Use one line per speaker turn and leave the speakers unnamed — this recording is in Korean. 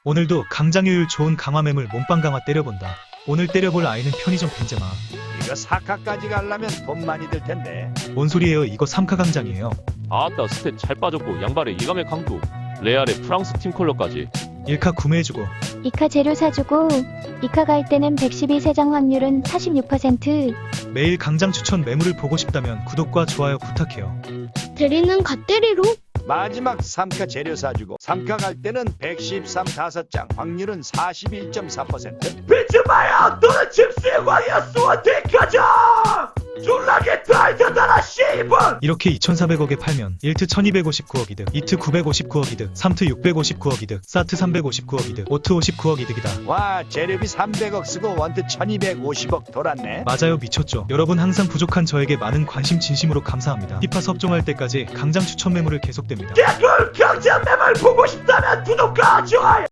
오늘도 강장효율 좋은 강화매물 몸빵 강화 때려본다. 오늘 때려볼 아이는 편의점 벤제마.
이거 사카까지 가려면 돈 많이 들 텐데.
뭔 소리예요? 이거 3카 강장이에요.
아따 스탯 잘 빠졌고 양발에 이감의 강도 레알의 프랑스 팀 컬러까지
1카 구매해주고
이카 재료 사주고 이카 갈 때는 112 세장 확률은 46%.
매일 강장 추천 매물을 보고 싶다면 구독과 좋아요 부탁해요.
대리는 갓대리로?
마지막 3카 재료 사주고 3카 갈 때는 113 5장 확률은 41.4%. 벤츠마야 너는 집수의 광이야 수원대 가자. 졸라게 달려다라 씨발.
이렇게 2,400억에 팔면 1트 1,259억 이득, 2트 959억 이득, 3트 659억 이득, 4트 359억 이득, 5트 59억 이득이다.
와 재료비 300억 쓰고 원트 1250억 돌았네.
맞아요, 미쳤죠. 여러분 항상 부족한 저에게 많은 관심 진심으로 감사합니다. 피파 섭종할 때까지 강장 추천 매물을 계속됩니다.
개꿀 강자 매물 보고 싶다면 구독과 좋아요.